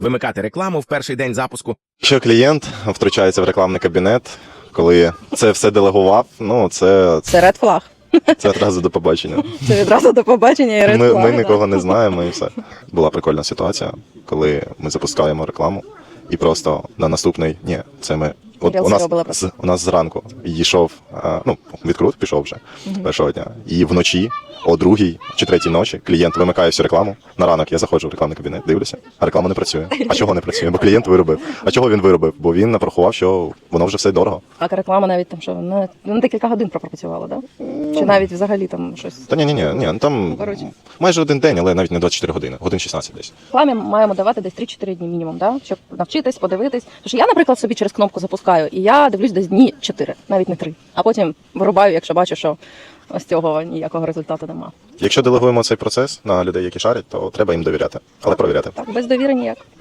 вимикати рекламу в перший день запуску. Якщо клієнт втручається в рекламний кабінет, коли це все делегував, ну це Це red flag. одразу до побачення. Це відразу до побачення і red flag. Ми нікого не знаємо і все. Була прикольна ситуація, коли ми запускаємо рекламу і просто на наступний, це ми. От у нас зранку йшов, відкрут пішов вже першого дня. І вночі, о 2-й чи 3-й ночі, клієнт вимикає всю рекламу. На ранок я заходжу в рекламний кабінет, дивлюся, а реклама не працює. А чого не працює? Бо клієнт виробив. А чого він виробив? Бо він напрахував, що воно вже все дорого. А реклама навіть там що, на декілька годин пропрацювала, так? Да? Чи навіть взагалі там щось? Та ні, там майже один день, але навіть не 24 години, годин 16 десь. Рекламі маємо давати десь 3-4 дні мінімум, да? Щоб навчитись, подивитись. Тому що я, наприклад, собі через кнопку запускаю, і я дивлюсь десь дні 4, навіть не 3. А потім вирубаю, якщо бачу, що з цього ніякого результату нема. Якщо делегуємо цей процес на людей, які шарять, то треба їм довіряти, але провіряти. Так, без довіри ніяк.